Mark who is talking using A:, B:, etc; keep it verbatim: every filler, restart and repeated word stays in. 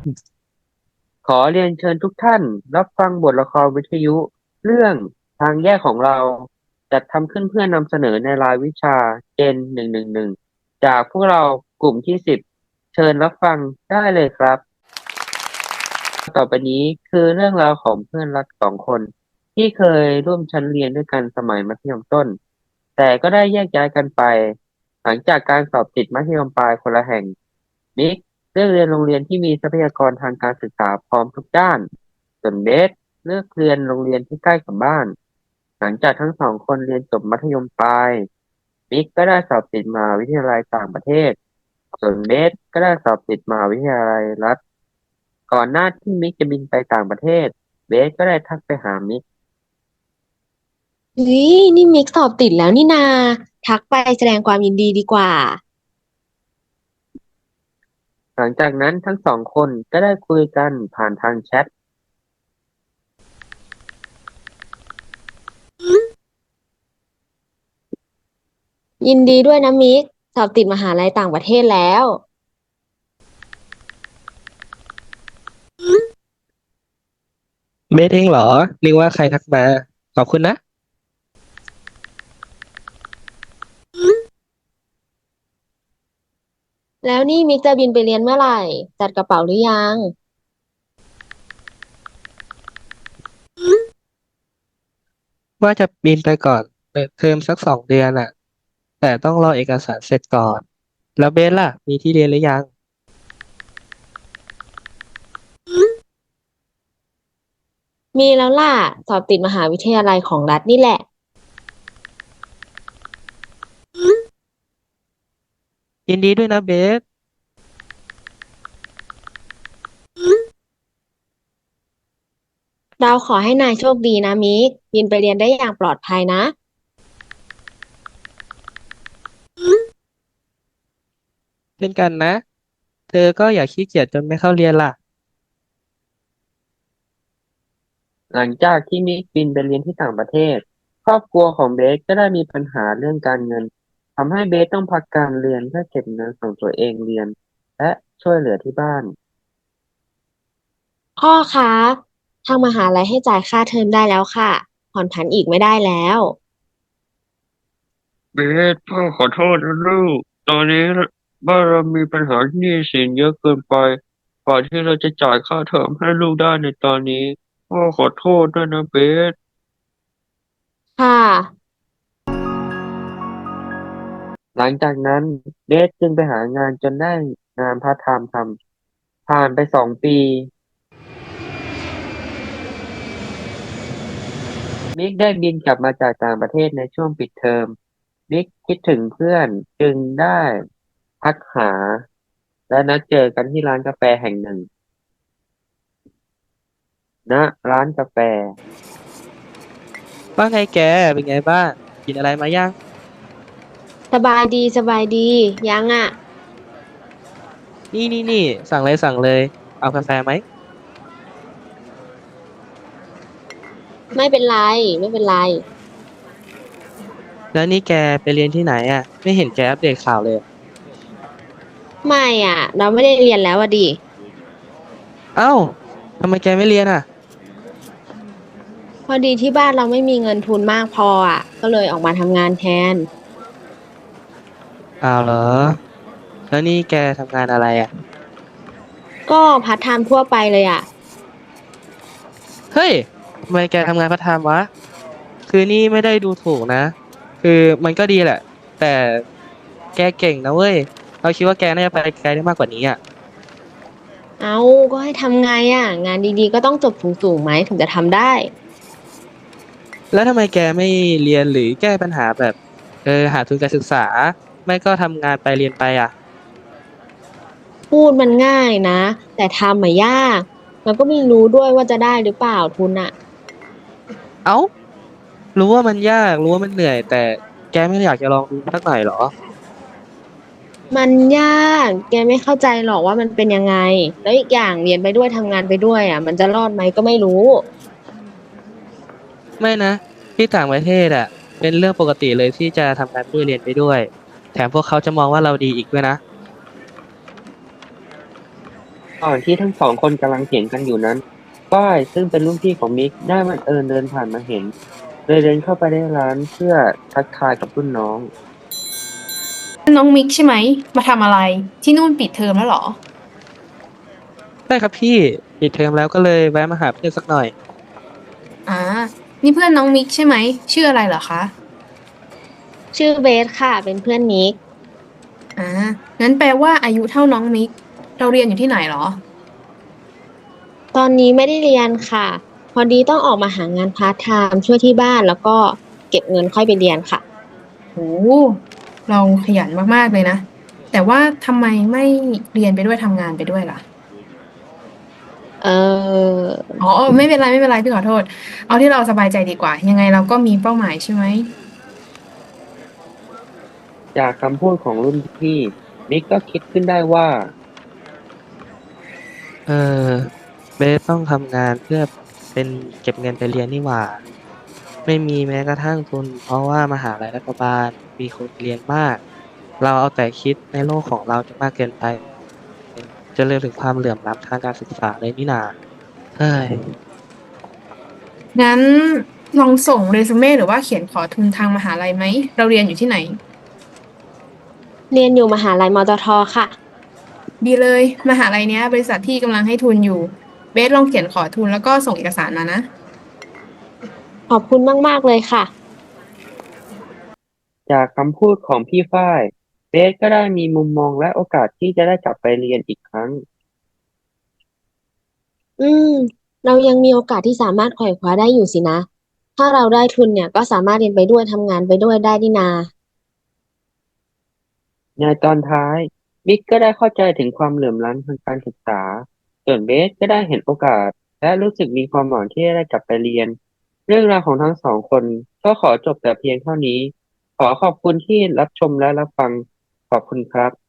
A: ขอเรียนเชิญทุกท่านรับฟังบทละครวิทยุเรื่องทางแยกของเราจัดทำขึ้นเพื่อนำเสนอในรายวิชาเจนหนึ่งหนึ่งหนึ่งจากพวกเรากลุ่มที่สิบเชิญรับฟังได้เลยครับต่อไปนี้คือเรื่องราวของเพื่อนรักสองคนที่เคยร่วมชั้นเรียนด้วยกันสมัยมัธยมต้นแต่ก็ได้แยกย้ายกันไปหลังจากการสอบติดมัธยมปลายคนละแห่งมิก เลือกเรียนโรงเรียนที่มีทรัพยากรทางการศึกษาพร้อมทุกด้านส่วนเบสเลือกเรียนโรงเรียนที่ใกล้กับบ้านหลังจากทั้งสองคนเรียนจบมัธยมปลายมิกก็ได้สอบติดมหาวิทยาลัยต่างประเทศส่วนเบสก็ได้สอบติดมหาวิทยาลัยรัฐก่อนหน้าที่มิกจะบินไปต่างประเทศเบสก็ได้ทักไปหามิก
B: เฮ้ยนี่มิกสอบติดแล้วนี่นาทักไปแสดงความยินดีดีกว่า
A: หลังจากนั้นทั้งสองคนก็ได้คุยกันผ่านทางแชท
B: ยินดีด้วยนะมิกสอบติดมหาลัยต่างประเทศแล้ว
C: เบสเองเหรอนึกว่าใครทักมาขอบคุณนะ
B: แล้วนี่มิกจะบินไปเรียนเมื่อไหร่จัดกระเป๋าหรือยัง
C: ว่าจะบินไปก่อนเปิดเทอมสักสองเดือนอ่ะแต่ต้องรอเอกสารเสร็จก่อนแล้วเบสล่ะมีที่เรียนหรือยัง
B: มีแล้วล่ะสอบติดมหาวิทยาลัยของรัฐนี่แหละ
C: ยินดีด้วยนะเบส
B: เราขอให้นายโชคดีนะมิกบินไปเรียนได้อย่างปลอดภัยนะ
C: เช่นกันนะเธอก็อย่าขี้เกียจจนไม่เข้าเรียนล่ะ
A: หลังจากที่มิกบินไปเรียนที่ต่างประเทศครอบครัวของเบสก็ได้มีปัญหาเรื่องการเงิน ทำให้เบสต้องพักการเรียนเพื่อเก็บเงินส่งตัวเองเรียนและช่วยเหลือที่บ้าน
B: พ่อคะทางมหาลัยให้จ่ายค่าเทอมได้แล้วค่ะผ่อนผันอีกไม่ได้แล้ว
A: เบสพ่อขอโทษนะลูกตอนนี้บ้านเรามีปัญหาหนี้สินเยอะเกินไปกว่าที่เราจะจ่ายค่าเทอมให้ลูกได้ในตอนนี้พ่อขอโทษด้วยนะเบส
B: ค่ะ
A: หลังจากนั้นเบสจึงไปหางานจนได้งานพาร์ทไทม์ทำผ่านไปสองปีมิกได้บินกลับมาจากต่างประเทศในช่วงปิดเทอมมิกคิดถึงเพื่อนจึงได้ทักหาและนัดเจอกันที่ร้านกาแฟแห่งหนึ่ง ณร้านกาแฟ
C: ว่าไงแกเป็นไงบ้างกินอะไรมายัง
B: สบายดีสบายดียังอ่ะ
C: นี่นี่นี่สั่งเลยสั่งเลยเอากาแฟไหม
B: ไม่เป็นไรไม่เป็นไร
C: แล้วนี่แกไปเรียนที่ไหนอ่ะไม่เห็นแกอัปเดตข่าวเลย
B: ไม่อ่ะเราไม่ได้เรียนแล้วอ่ะดิ
C: เอ้าทำไมแกไม่เรียนอ่ะ
B: พอดีที่บ้านเราไม่มีเงินทุนมากพออ่ะก็เลยออกมาทำงานแทน
C: อ้าวเหรอแล้วนี่แกทำงานอะไรอ่ะ
B: ก็พาร์ทไทม์ทั่วไปเลยอ่ะ
C: เฮ้ยทำไมแกทำงานพาร์ทไทม์วะคือนี่ไม่ได้ดูถูกนะคือมันก็ดีแหละแต่แกเก่งนะเว้ยเราคิดว่าแกน่าจะไปไกลได้มากกว่านี้อ่ะ
B: เอาก็ให้ทำไงอ่ะงานดีๆก็ต้องจบสูงๆไหมถึงจะทำได้
C: แล้วทำไมแกไม่เรียนหรือแก้ปัญหาแบบเออหาทุนการศึกษาไม่ก็ทำงานไปเรียนไปอ่ะ
B: พูดมันง่ายนะแต่ทำมายากแล้วก็ไม่รู้ด้วยว่าจะได้หรือเปล่าทุนอ่ะ
C: เอ้ารู้ว่ามันยากรู้ว่ามันเหนื่อยแต่แกไม่อยากจะลองดูสักหน่อยเหรอ
B: มันยากแกไม่เข้าใจหรอกว่ามันเป็นยังไงแล้วอีกอย่างเรียนไปด้วยทำงานไปด้วยอ่ะมันจะรอดไหมก็ไม่รู้
C: ไม่นะที่ต่างประเทศอ่ะเป็นเรื่องปกติเลยที่จะทำงานไปด้วยเรียนไปด้วยแถมพวกเขาจะมองว่าเราดีอีกด้วยนะ
A: ก่อนที่ทั้งสองคนกำลังเถียงกันอยู่นั้นฝ้ายซึ่งเป็นรุ่นพี่ของมิกได้บังเอิญเดินผ่านมาเห็นเลยเดินเข้าไปในร้านเพื่อทักทายกับรุ่นน้อง
D: น้องมิกใช่ไหมมาทำอะไรที่นู่นปิดเทอมแล้วเหรอ
C: ได้ครับพี่ปิดเทอมแล้วก็เลยแวะมาหาเพื่อนสักหน่อย
D: อ่านี่เพื่อนน้องมิกใช่ไหมชื่ออะไรเหรอคะ
B: ชื่อเบสค่ะเป็นเพื่อนนิก
D: อ่างั้นแปลว่าอายุเท่าน้องมิกเราเรียนอยู่ที่ไหนเหรอ
B: ตอนนี้ไม่ได้เรียนค่ะพอดีต้องออกมาหางานพาร์ทไทม์ช่วยที่บ้านแล้วก็เก็บเงินค่อยไปเรียนค่ะ
D: โอ้เราขยันมากๆเลยนะแต่ว่าทำไมไม่เรียนไปด้วยทำงานไปด้วยล่ะ
B: เออ
D: อ๋อเออไม่เป็นไรไม่เป็นไรพี่ขอโทษเอาที่เราสบายใจดีกว่ายังไงเราก็มีเป้าหมายใช่ไหม
A: จากคำพูดของรุ่นพี่มิกก็คิดขึ้นได้ว่า
C: เออเบสต้องทำงานเพื่อเป็นเก็บเงินไปเรียนนี่หว่าไม่มีแม้กระทั่งทุนเพราะว่ามหาลัยรัฐบาลมีคนเรียนมากเราเอาแต่คิดในโลกของเราจะมากเกินไปจะเลยถึงความเหลื่อมล้ำทางการศึกษาเลยนี่นาเฮ้ย
D: งั้นลองส่งเรซูเม่หรือว่าเขียนขอทุนทางมหาลัยไหมเราเรียนอยู่ที่ไหน
B: เรียนอยู่มหาลัยมอ ตอ ทอค่ะ
D: ดีเลยมหาลัยเนี้ยบริษัทที่กำลังให้ทุนอยู่เบสลองเขียนขอทุนแล้วก็ส่งเอกสารมานะ
B: ขอบคุณมากๆเลยค่ะ
A: จากคำพูดของพี่ฝ้ายเบสก็ได้มีมุมมองและโอกาสที่จะได้กลับไปเรียนอีกครั้ง
B: อืมเรายังมีโอกาสที่สามารถไขว่คว้าได้อยู่สินะถ้าเราได้ทุนเนี่ยก็สามารถเรียนไปด้วยทำงานไปด้วยได้นี่นา
A: ในตอนท้ายบิ๊กก็ได้เข้าใจถึงความเหลื่อมล้ำทางการศึกษาส่วนเบสก็ได้เห็นโอกาสและรู้สึกมีความหวังที่จะได้กลับไปเรียนเรื่องราวของทั้งสองคนก็ขอจบแต่เพียงเท่านี้ขอขอบคุณที่รับชมและรับฟังขอบคุณครับ